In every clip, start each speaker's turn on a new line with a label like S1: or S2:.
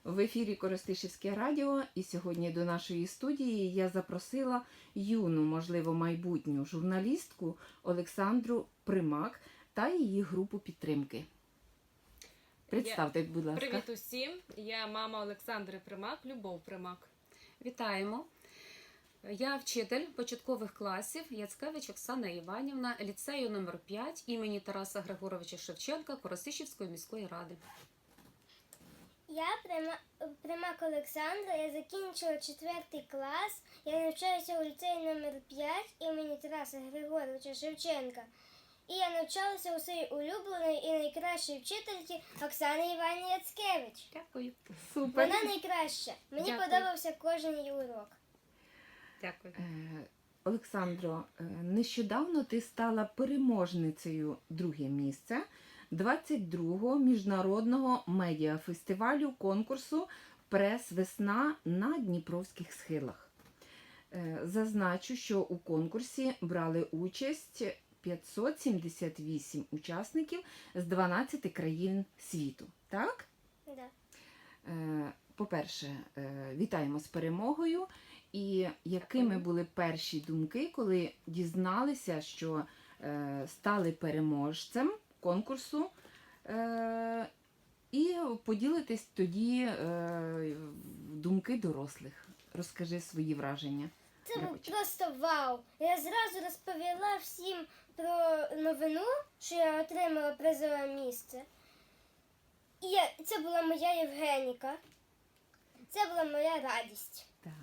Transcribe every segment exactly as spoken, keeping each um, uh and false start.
S1: В ефірі Коростишівське радіо, і сьогодні до нашої студії я запросила юну, можливо, майбутню журналістку Олександру Примак та її групу підтримки. Представте, будь ласка.
S2: Привіт усім! Я мама Олександри Примак, Любов Примак.
S3: Вітаємо! Я вчитель початкових класів Яцкевич Оксана Іванівна, ліцею номер п'ять імені Тараса Григоровича Шевченка Коростишівської міської ради.
S4: Я Прима- Примак Олександра, я закінчила четвертий клас, я навчаюся у ліцеї номер п'ять імені Тараса Григоровича Шевченка. І я навчалася у своїй улюбленої і найкращій вчительці Оксани Іванівні Яцкевич.
S3: Дякую.
S1: Супер.
S4: Вона найкраща. Мені
S3: Дякую.
S4: подобався кожен її урок.
S3: Дякую.
S1: Е, Олександро, е, нещодавно ти стала переможницею друге місце двадцять другого міжнародного медіафестивалю конкурсу «Прес-весна» на Дніпровських схилах. Е, Зазначу, що у конкурсі брали участь п'ятсот сімдесят вісім учасників з дванадцяти країн світу. Так?
S4: Да.
S1: Е, По-перше, е, вітаємо з перемогою. І якими були перші думки, коли дізналися, що е, стали переможцем конкурсу, е, і поділитись тоді е, думки дорослих. Розкажи свої враження.
S4: Це був
S1: Вибач.
S4: просто вау. Я зразу розповіла всім про новину, що я отримала призове місце. І я, це була моя Євгеніка. Це була моя радість.
S1: Так.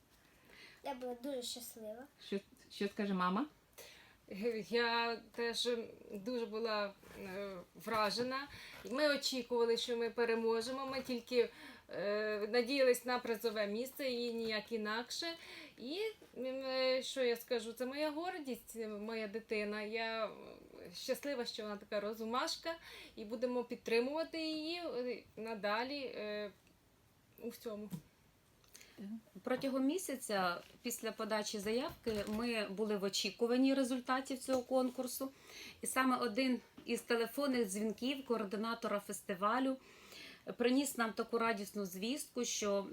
S4: Я була дуже щаслива.
S1: Що, що скаже мама?
S2: Я теж дуже була е, вражена. Ми очікували, що ми переможемо. Ми тільки е, надіялись на призове місце і ніяк інакше. І е, що я скажу, це моя гордість, моя дитина. Я щаслива, що вона така розумашка, і будемо підтримувати її е, надалі е, у всьому.
S3: Протягом місяця після подачі заявки ми були в очікуванні результатів цього конкурсу. І саме один із телефонних дзвінків координатора фестивалю приніс нам таку радісну звістку, що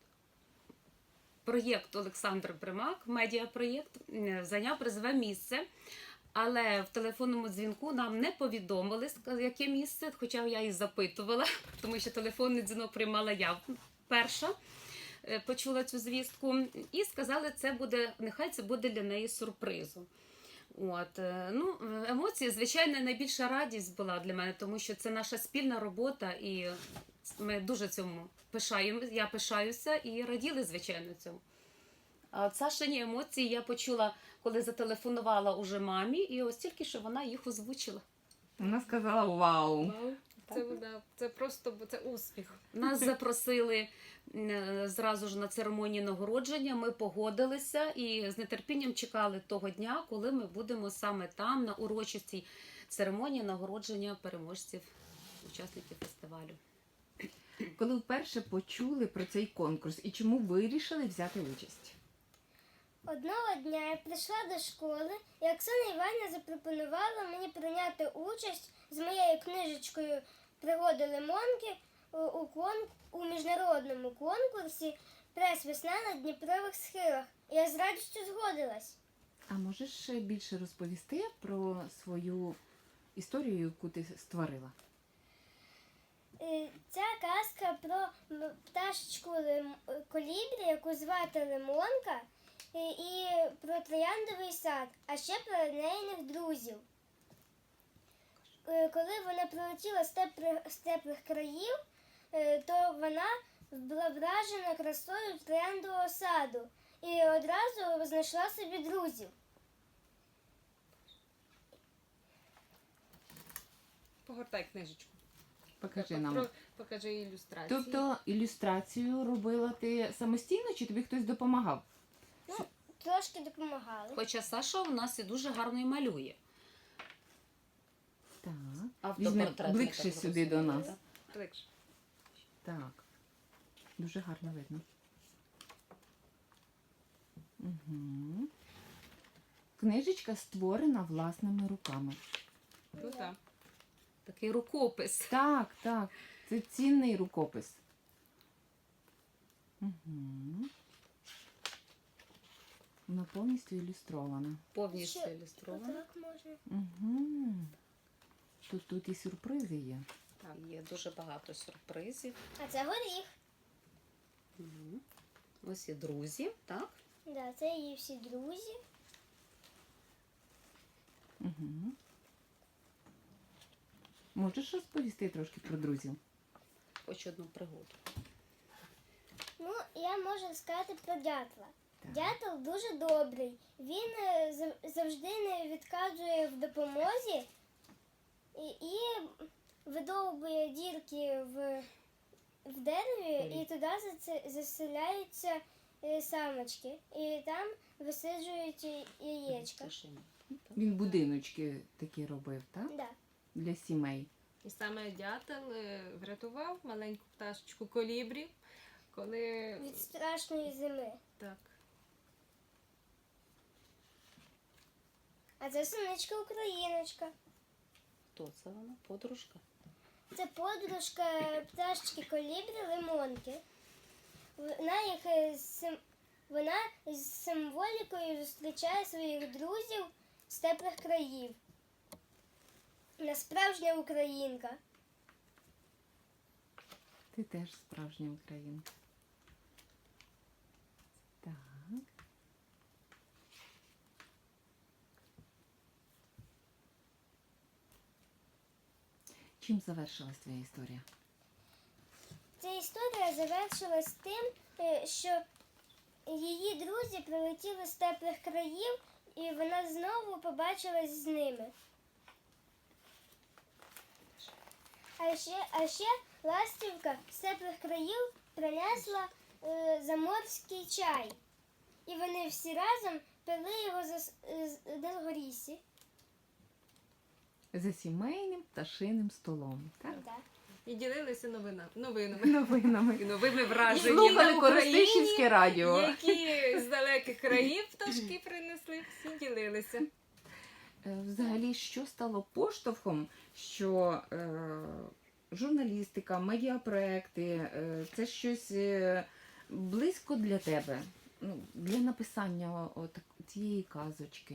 S3: проєкт Олександри Примак, медіапроєкт, зайняв призове місце. Але в телефонному дзвінку нам не повідомили, яке місце, хоча я і запитувала, тому що телефонний дзвінок приймала я перша. Почула цю звістку і сказали, це буде, нехай це буде для неї сюрпризом. От, ну, емоції, звичайно, найбільша радість була для мене, тому що це наша спільна робота, і ми дуже цьому пишаємо, я пишаюся і раділи, звичайно, цьому. А от Сашині емоції я почула, коли зателефонувала уже мамі, і ось тільки що вона їх озвучила.
S1: Вона сказала вау.
S2: Це, да, це просто це успіх.
S3: Нас запросили е, зразу ж на церемонію нагородження, ми погодилися і з нетерпінням чекали того дня, коли ми будемо саме там, на урочистій церемонії нагородження переможців, учасників фестивалю.
S1: Коли вперше почули про цей конкурс і чому вирішили взяти участь?
S4: Одного дня я прийшла до школи, і Оксана Іванівна запропонувала мені прийняти участь з моєю книжечкою «Пригоди Лимонки» у, у, кон, у міжнародному конкурсі «Прес-весна на Дніпрових схилах». Я з радістю згодилась.
S1: А можеш ще більше розповісти про свою історію, яку ти створила?
S4: Е, Ця казка про м- пташечку Лим- колібрі, яку звати Лимонка, і, і про трояндовий сад, а ще про неїних друзів. Е, Коли вона прилетіла з теплих, з теплих країв, е, то вона була вражена красою трояндового саду і одразу знайшла собі друзів.
S2: Погортай книжечку.
S1: Покажи
S2: Про-
S1: нам.
S2: Покажи ілюстрацію.
S1: Тобто ілюстрацію робила ти самостійно, чи тобі хтось допомагав?
S4: Ну, трошки допомагали.
S3: Хоча Саша у нас і дуже гарно і малює.
S1: Так.
S3: Автопортрет,
S1: Візьми ближче
S3: я так
S1: сюди до
S3: розумію,
S1: нас.
S3: так?
S2: Ближче.
S1: Так. Дуже гарно видно. Угу. Книжечка створена власними руками.
S2: Ну так.
S3: Такий рукопис.
S1: Так, так. Це цінний рукопис. Угу. Вона повністю ілюстрована.
S3: Повністю
S4: Ще
S3: ілюстрована.
S4: Отак можна.
S1: Угу. Тут, тут і сюрпризи є.
S3: Так, є дуже багато сюрпризів.
S4: А це горіх.
S3: Угу. Ось і друзі, так?
S4: Да, це її всі друзі.
S1: Угу. Можеш розповісти трошки про друзів?
S3: Хоч одну пригоду.
S4: Ну, я можу сказати про дятла.
S1: Так.
S4: Дятел дуже добрий. Він е, зав- завжди не відказує в допомозі і, і видовбує дірки в, в дереві, і туди заце- заселяються е, самочки. І там висиджують і- яєчка.
S3: Тишина.
S1: Він будиночки такі робив, так?
S4: Да.
S1: Для сімей.
S2: І саме дятел е, врятував маленьку пташечку колібрі, коли
S4: Від страшної зими.
S2: так.
S4: А це синичка Україночка.
S3: Хто це вона? Подружка?
S4: Це подружка пташечки колібрі лимонки. Вона їх е, сим... вона з символікою зустрічає своїх друзів з теплих країв. Вона справжня українка.
S1: Ти теж справжня українка. Так. Чим завершилась твоя історія?
S4: Ця історія завершилась тим, е, що її друзі прилетіли з теплих країв, і вона знову побачилась з ними. А ще, а ще ластівка з теплих країв принесла е, заморський чай. І вони всі разом пили його за, с- з- на горісі.
S1: За сімейним пташиним столом, так?
S4: Да.
S2: І ділилися новина, новинами.
S1: Новинами.
S2: І новими
S1: І
S2: враженнями
S1: слухали
S2: на Україні,
S1: Коростишівське радіо.
S2: які з далеких країв пташки принесли, всі ділилися.
S1: Е, Взагалі, що стало поштовхом, що е, журналістика, медіапроекти е, це щось е, близько для тебе, ну, для написання от цієї казочки?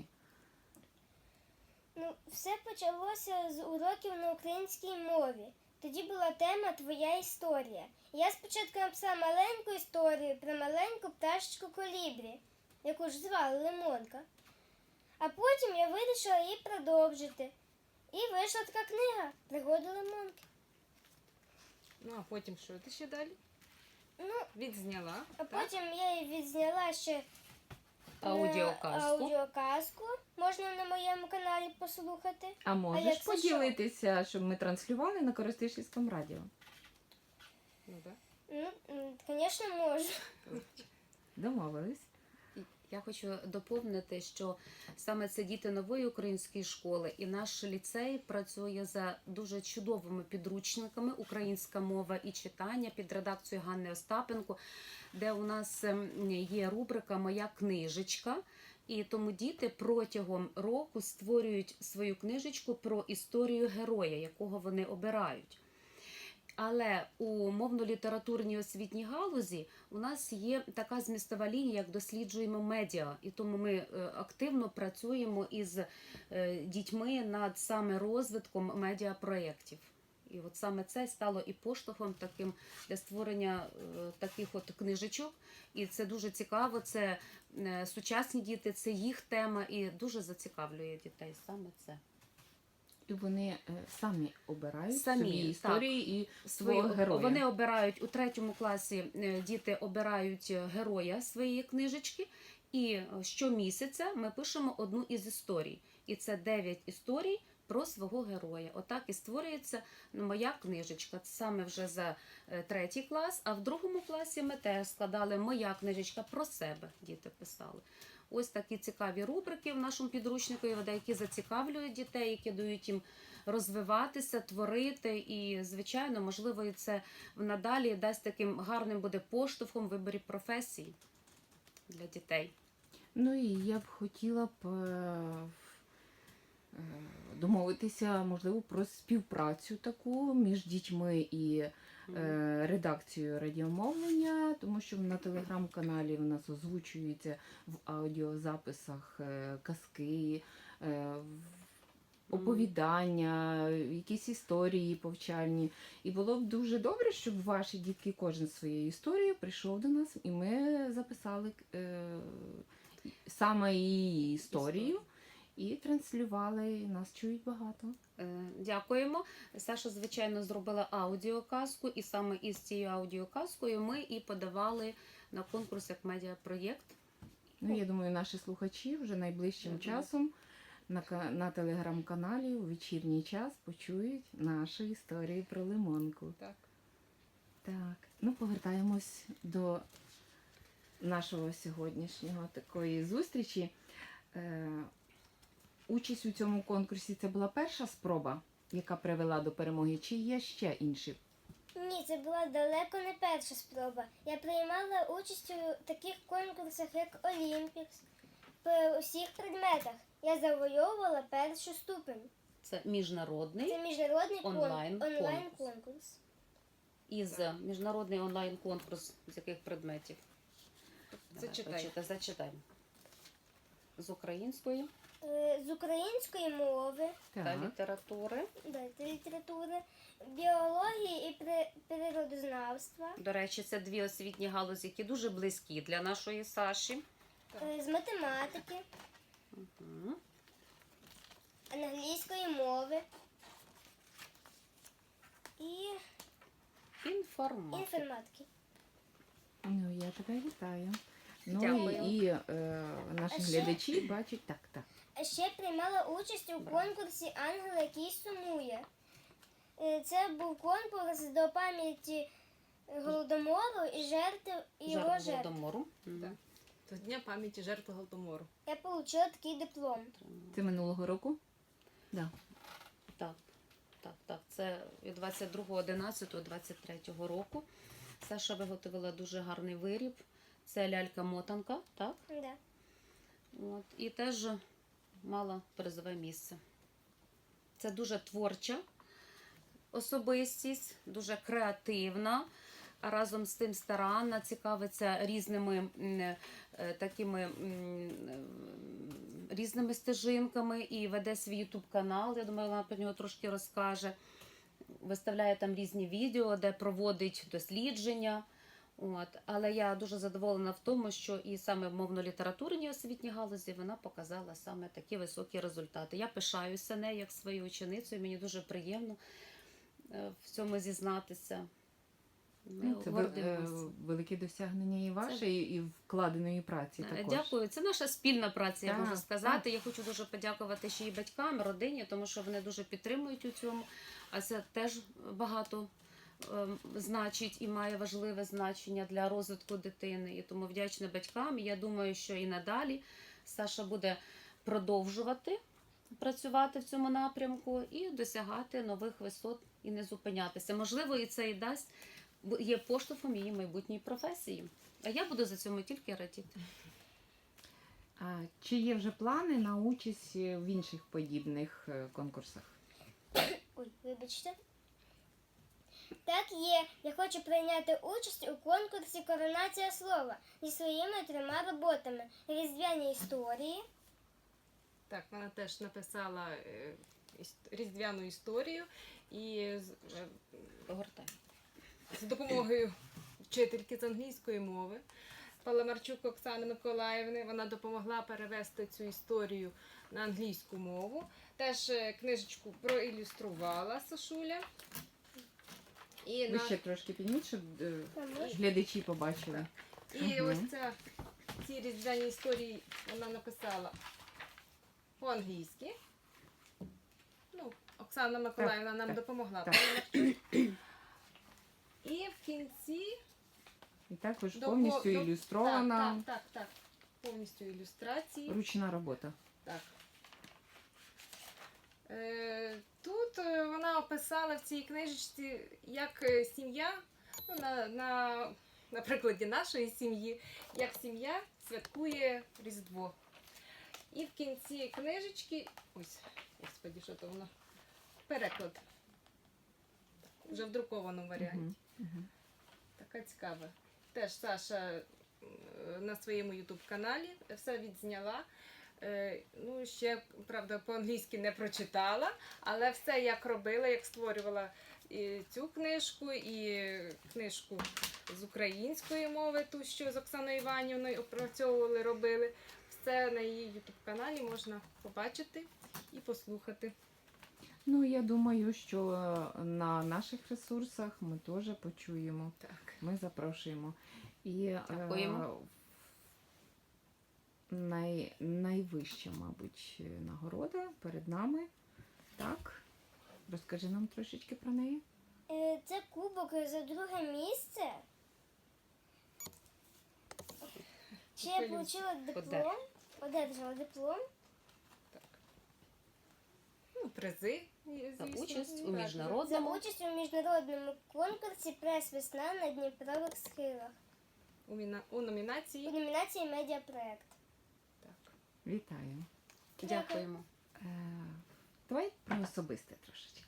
S4: Ну, все почалося з уроків на українській мові. Тоді була тема Твоя історія. Я спочатку написала маленьку історію про маленьку пташечку колібрі, яку ж звали Лимонка. А потім я вирішила її продовжити. І вийшла така книга «Пригоди Лимонки».
S2: Ну а потім що ти ще далі?
S4: Ну,
S2: Відзняла.
S4: а
S2: так?
S4: потім я її відзняла ще е,
S3: Аудіоказку.
S4: аудіоказку. Можна на моєму каналі послухати.
S1: А можеш
S4: як це
S1: поділитися, щоб ми транслювали на Коростишівському радіо?
S2: Ну, да.
S4: Ну, м, звісно, можу.
S1: Домовились.
S3: Я хочу доповнити, що саме це діти нової української школи, і наш ліцей працює за дуже чудовими підручниками «Українська мова і читання» під редакцією Ганни Остапенко, де у нас ем, є рубрика «Моя книжечка». І тому діти протягом року створюють свою книжечку про історію героя, якого вони обирають. Але у мовно-літературній освітній галузі у нас є така змістова лінія, як досліджуємо медіа. І тому ми е, активно працюємо із е, дітьми над саме розвитком медіапроєктів. І от саме це стало і поштовхом таким для створення е, таких от книжечок. І це дуже цікаво, це е, сучасні діти, це їх тема і дуже зацікавлює дітей саме це.
S1: І вони е, самі обирають
S3: Самі,
S1: собі
S3: так.
S1: історії і
S3: Свої,
S1: свого героя.
S3: Вони обирають у третьому класі, е, діти обирають героя своєї книжечки, і е, щомісяця ми пишемо одну із історій. І це дев'ять історій про свого героя. Отак і створюється ну, моя книжечка. Це саме вже за е, третій клас, а в другому класі ми теж складали моя книжечка про себе, діти писали. Ось такі цікаві рубрики в нашому підручнику, які зацікавлюють дітей, які дають їм розвиватися, творити. І, звичайно, можливо, і це надалі дасть таким гарним буде поштовхом в виборі професії для дітей.
S1: Ну і я б хотіла б е, е, домовитися, можливо, про співпрацю таку між дітьми і е, редакцію радіомовлення, тому що на телеграм-каналі в нас озвучуються в аудіозаписах е, казки, е, оповідання, якісь історії повчальні. І було б дуже добре, щоб ваші дітки кожен своєю історією прийшов до нас, і ми записали е, саме її історію і транслювали. І нас чують багато.
S3: Е, Дякуємо. Саша, звичайно, зробила аудіоказку, і саме із цією аудіоказкою ми і подавали на конкурс як медіапроєкт.
S1: Ну, я думаю, наші слухачі вже найближчим
S3: Мгм.
S1: часом на, ка- на телеграм-каналі у вечірній час почують нашу історію про лимонку.
S2: Так.
S1: Так, ну повертаємось до нашого сьогоднішнього такої зустрічі. Е, участь у цьому конкурсі це була перша спроба, яка привела до перемоги, чи є ще інші?
S4: Ні, це була далеко не перша спроба. Я приймала участь у таких конкурсах, як Олімпікс, по усіх предметах. Я завойовувала першу ступень.
S3: Це міжнародний
S4: Це міжнародний кон-
S3: Онлайн-конкурс.
S4: онлайн-конкурс.
S3: із міжнародний онлайн-конкурс з яких предметів? Давай,
S2: Зачитай.
S3: прочитай, зачитай. З української
S4: Е, З української мови,
S3: та
S1: Так.
S3: літератури.
S4: дайте літератури, біології і при- природознавства,
S3: До речі, це дві освітні галузі, які дуже близькі для нашої Саші.
S4: е, з математики,
S3: Угу.
S4: англійської мови і
S3: Інформатика.
S4: інформатики.
S1: Ну, я тебе вітаю. Ну
S3: Дякую.
S1: і, і е, наші
S4: А ще-
S1: глядачі бачать так, так.
S4: А ще приймала участь у конкурсі Ангел, який сумує. Е, Це був конкурс до пам'яті Голодомору і жертв і його
S3: Жертв
S4: жертв.
S3: Голодомору. Мгм.
S2: Так. До Дня пам'яті жертв Голодомору.
S4: Я отримала такий диплом.
S1: Це минулого року? Да.
S3: Так, так, так. Це від двадцять другого одинадцятого двадцять третього року. Саша виготовила дуже гарний виріб. Це лялька-мотанка, так?
S4: Да.
S3: От. І теж мала призове місце. Це дуже творча особистість, дуже креативна, а разом з тим старанна, цікавиться різними м, е, такими м, е, різними стежинками і веде свій ютуб канал. Я думаю, вона про нього трошки розкаже. Виставляє там різні відео, де проводить дослідження. От. Але я дуже задоволена в тому, що і саме в мовно-літературній освітній галузі вона показала саме такі високі результати. Я пишаюся нею як своєю ученицею, мені дуже приємно е, в цьому зізнатися. Ми
S1: Ну, це вел- е,
S3: гордимося.
S1: велике досягнення і ваше, і, і вкладеної праці
S3: Е,
S1: також.
S3: Дякую. Це наша спільна праця, я
S1: Так,
S3: можу сказати. Я хочу дуже подякувати ще й батькам, родині, тому що вони дуже підтримують у цьому. А це теж багато е, значить і має важливе значення для розвитку дитини. І тому вдячна батькам. І я думаю, що і надалі Саша буде продовжувати працювати в цьому напрямку і досягати нових висот і не зупинятися. Можливо, і це і дасть бо є поштовхом її майбутньої професії. А я буду за цьому тільки радіти.
S1: А чи є вже плани на участь в інших подібних е, конкурсах?
S4: Ой, вибачте. Так є. Я хочу прийняти участь у конкурсі Коронація слова зі своїми трьома роботами: Різдвяні історії,
S2: Так, вона теж написала е, іс- різдвяну історію і з, е,
S3: Погортай.
S2: з допомогою вчительки з англійської мови Паламарчук Оксани Миколаївни. Вона допомогла перевести цю історію на англійську мову. Теж е, книжечку проілюструвала Сашуля. І,
S1: Ви
S2: на...
S1: ще трошки підніміть, щоб е,
S4: Там
S1: глядачі побачили.
S2: і
S1: Мгм.
S2: ось ця, ці різдвяні історії вона написала по-англійськи. Ну, Оксана Миколаївна нам
S1: так,
S2: допомогла.
S1: так.
S2: Паламарчук. І в кінці
S1: І також
S2: До-
S1: повністю
S2: до-
S1: ілюстрована
S2: Так, так, так, так. Повністю ілюстрації.
S1: ручна робота.
S2: Так. Е, тут е, вона описала в цій книжечці, як е, сім'я, ну, на, на, на прикладі нашої сім'ї, як сім'я святкує Різдво. І в кінці книжечки, ось, господі, що то воно, переклад. Вже в друкованому варіанті.
S1: Мгм. Мгм.
S2: Така цікава. Теж Саша е, на своєму ютуб-каналі все відзняла. Е, Ну, ще, правда, по-англійськи не прочитала, але все як робила, як створювала і цю книжку, і книжку з української мови, ту, що з Оксаною Іванівною опрацьовували, робили. Все на її ютуб-каналі можна побачити і послухати.
S1: Ну, я думаю, що е, на наших ресурсах ми теж почуємо.
S2: Так.
S1: Ми запрошуємо. І е,
S3: Дякуємо.
S1: най, найвища, мабуть, нагорода перед нами. Так. Розкажи нам трошечки про неї.
S4: Е, Це кубок за друге місце. Ще я
S2: Хвилююся.
S4: отримала диплом.
S3: Одержала.
S4: Одержала диплом.
S2: Так. Ну, призи.
S3: За
S2: звісно.
S3: участь у
S2: Так.
S4: За
S3: міжнародному
S4: участь у міжнародному конкурсі «Прес-весна» на Дніпрових схилах
S2: У, міна... у
S4: у
S2: номінації.
S4: номінації «Медіапроект».
S2: Так.
S1: Вітаю.
S3: дякуємо.
S1: Е, давай про особисте трошечки.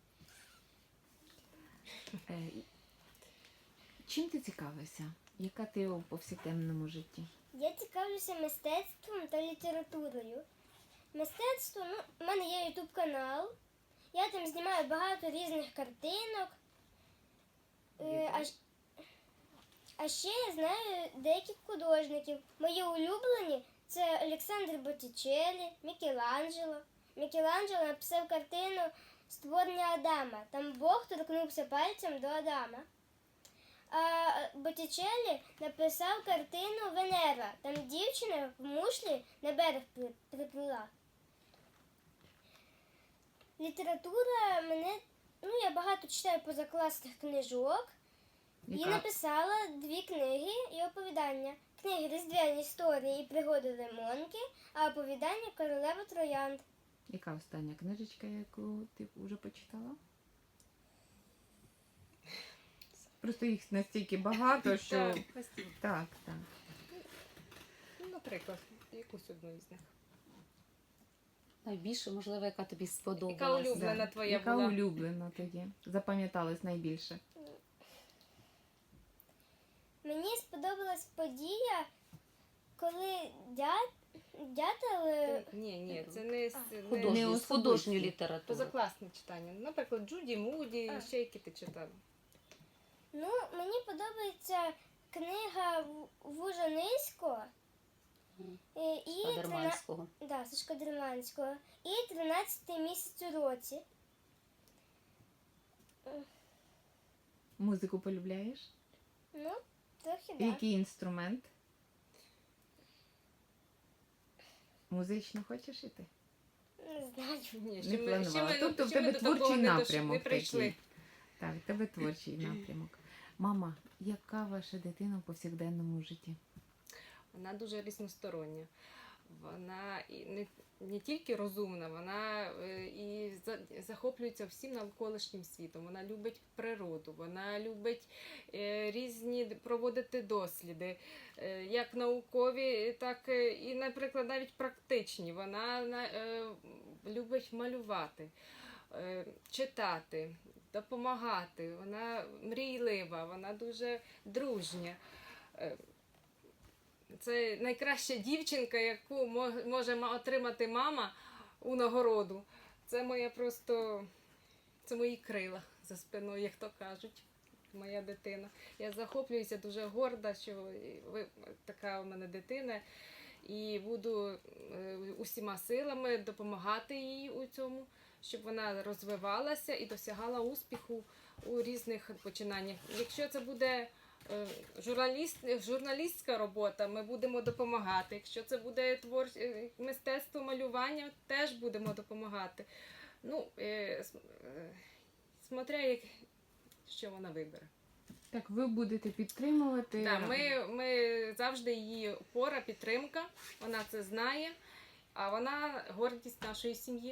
S1: Е, чим ти цікавишся? Яка ти у повсякденному житті?
S4: Я цікавлюся мистецтвом та літературою. Мистецтво, ну, у мене є ютуб канал. Я там знімаю багато різних картинок. Е, а, ж- а ще я знаю деяких художників. Мої улюблені це Олександр Боттічеллі, Мікеланджело. Мікеланджело написав картину «Створення Адама». Там Бог торкнувся пальцем до Адама. А Боттічеллі написав картину «Венера». Там дівчина в мушлі на берег при- приплила. Література мене, ну я багато читаю позакласних книжок і
S1: Яка,
S4: написала дві книги і оповідання. Книги «Різдвяні історії» і «Пригоди Лимонки», а оповідання «Королева троянд».
S1: яка остання книжечка, яку ти вже почитала? Просто їх настільки багато, що.
S2: Так,
S1: Так, так.
S2: ну, наприклад, якусь одну із них.
S3: Найбільше, можливо, яка тобі
S2: Яка
S3: сподобалася.
S2: улюблена твоя
S1: Яка
S2: була?
S1: улюблена тоді? Запам'яталась найбільше.
S4: Мені сподобалась подія, коли дя- дятел е,
S2: Ні, ні, це не, з- не
S3: Художню,
S1: Не
S3: з
S1: особисті.
S3: художньої літератури.
S2: позакласне читання. Наприклад, Джуді Муді,
S4: А.
S2: і ще які ти читала.
S4: Ну, мені подобається книга В- Вужаниського е, і трина...
S3: Падерманського.
S4: да, Сашка Дерманського і тринадцятий місяць у році.
S1: Музику полюбляєш?
S4: Ну, трохи да.
S1: Який інструмент? Музично хочеш іти?
S4: Не знаю.
S2: Ні,
S1: Не
S2: ще ми,
S1: планувала.
S2: ще ми,
S1: Тобто в
S2: ще ми
S1: тебе
S2: до такого
S1: творчий
S2: не, дош-
S1: напрямок
S2: не прийшли.
S1: такий. Так, в тебе творчий напрямок. Мама, яка ваша дитина в повсякденному житті?
S2: Вона дуже різностороння. Вона і не, не тільки розумна, вона е, і за- захоплюється всім навколишнім світом. Вона любить природу, вона любить е, різні д- проводити досліди, е, як наукові, так е, і, наприклад, навіть практичні. Вона на- е, любить малювати, е, читати, допомагати. Вона мрійлива, вона дуже дружня. Е, Це найкраща дівчинка, яку мо- може ма- отримати мама у нагороду. Це моя просто це мої крила за спиною, як то кажуть. Моя дитина. Я захоплююся, дуже горда, що ви така у мене дитина. І буду е, усіма силами допомагати їй у цьому, щоб вона розвивалася і досягала успіху у різних починаннях. Якщо це буде е, журналіст, журналістська робота, ми будемо допомагати. Якщо це буде твор... е, мистецтво малювання, теж будемо допомагати. Ну, е, с- е, смотря, як... що вона вибере.
S1: Так, ви будете підтримувати.
S2: Да, ми, ми завжди її опора, підтримка, вона це знає, а вона гордість нашої сім'ї.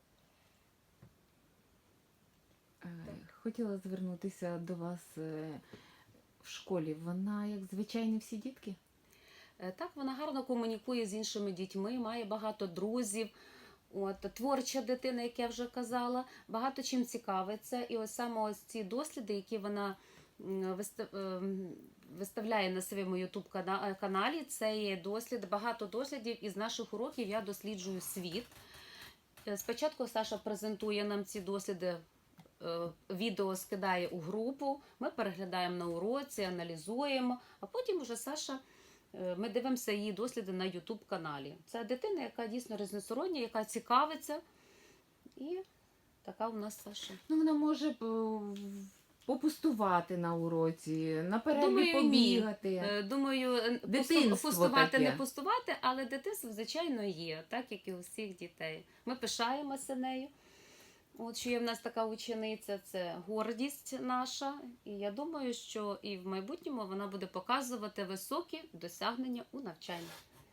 S1: Е, Хотіла звернутися до вас е, в школі. Вона як звичайні всі дітки?
S3: Е, Так, вона гарно комунікує з іншими дітьми, має багато друзів. От, творча дитина, як я вже казала, багато чим цікавиться. І ось саме ось ці досліди, які вона м, виста- ем, виставляє на своєму ютуб каналі. Це є дослід, багато дослідів. Із наших уроків я досліджую світ. Е, Спочатку Саша презентує нам ці досліди, е, відео скидає у групу, ми переглядаємо на уроці, аналізуємо, а потім вже Саша, е, ми дивимося її досліди на ютуб каналі. Це дитина, яка дійсно різносороння, яка цікавиться. І така у нас Саша.
S1: Ну, вона може е, попустувати на уроці, на перерві
S3: Думаю, ні.
S1: побігати.
S3: Е, Думаю, е,
S1: Дитинство
S3: пусту- пустувати,
S1: таке.
S3: не пустувати, але дитинство, звичайно, є, так як і у всіх дітей. Ми пишаємося нею. От що є в нас така учениця, це гордість наша. І я думаю, що і в майбутньому вона буде показувати високі досягнення у навчанні.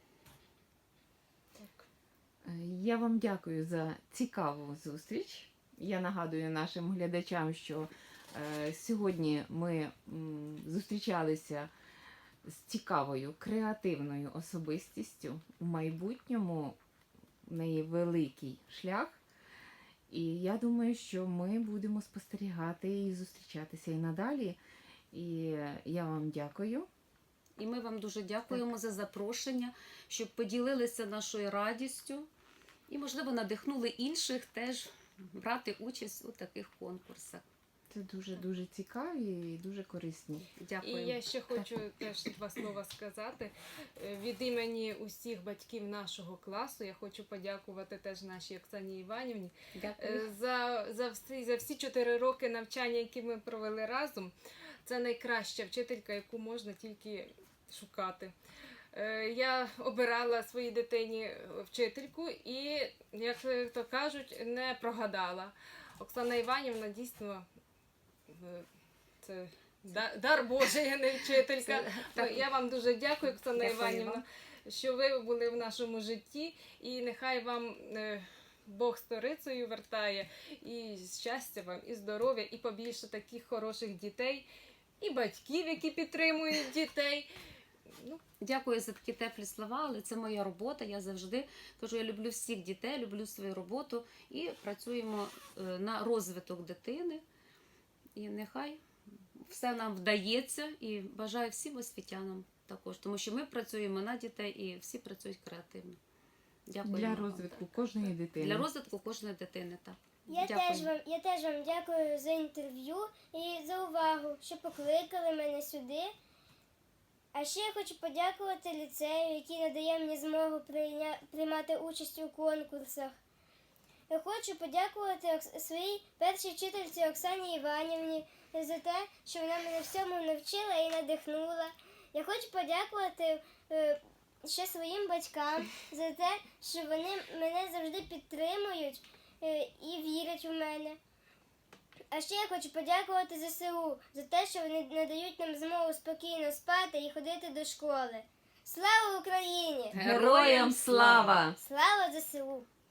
S1: Е, Я вам дякую за цікаву зустріч. Я нагадую нашим глядачам, що е, сьогодні ми м, зустрічалися з цікавою, креативною особистістю. У майбутньому в неї великий шлях. І я думаю, що ми будемо спостерігати і зустрічатися і надалі. І я вам дякую.
S3: І ми вам дуже дякуємо за запрошення, щоб поділилися нашою радістю і, можливо, надихнули інших теж брати участь у таких конкурсах.
S1: Це дуже-дуже цікаві і дуже корисні.
S2: І
S3: Дякую.
S2: я ще хочу теж два слова сказати. Е, Від імені усіх батьків нашого класу я хочу подякувати теж нашій Оксані Іванівні
S3: Дякую.
S2: е, за, за, всі, за всі чотири роки навчання, які ми провели разом. Це найкраща вчителька, яку можна тільки шукати. Е, Я обирала своїй дитині вчительку і, як то кажуть, не прогадала. Оксана Іванівна дійсно е, це да- дар Божий, а не вчителька.
S3: Це- так.
S2: Я вам дуже дякую, Оксана
S3: Дякую
S2: Іванівна,
S3: вам.
S2: що ви були в нашому житті, і нехай вам е, Бог сторицею вертає, і щастя вам, і здоров'я, і побільше таких хороших дітей, і батьків, які підтримують дітей. Ну,
S3: Дякую за такі теплі слова, але це моя робота. Я завжди кажу, я люблю всіх дітей, люблю свою роботу і працюємо е, на розвиток дитини. І нехай все нам вдається і бажаю всім освітянам також, тому що ми працюємо на дітей і всі працюють креативно. Дякую.
S1: Для
S3: вам.
S1: розвитку кожної дитини.
S3: Для розвитку кожної дитини, так.
S4: Я
S3: Дякую.
S4: теж, вам, я теж вам дякую за інтерв'ю і за увагу, що покликали мене сюди. А ще я хочу подякувати ліцею, який надає мені змогу прийня... приймати участь у конкурсах. Я хочу подякувати Окс- своїй першій вчительці Оксані Іванівні за те, що вона мене всьому навчила і надихнула. Я хочу подякувати е, ще своїм батькам за те, що вони мене завжди підтримують е, і вірять у мене. А ще я хочу подякувати ЗСУ за те, що вони надають нам змогу спокійно спати і ходити до школи. Слава Україні!
S1: Героям слава!
S4: Слава ЗСУ!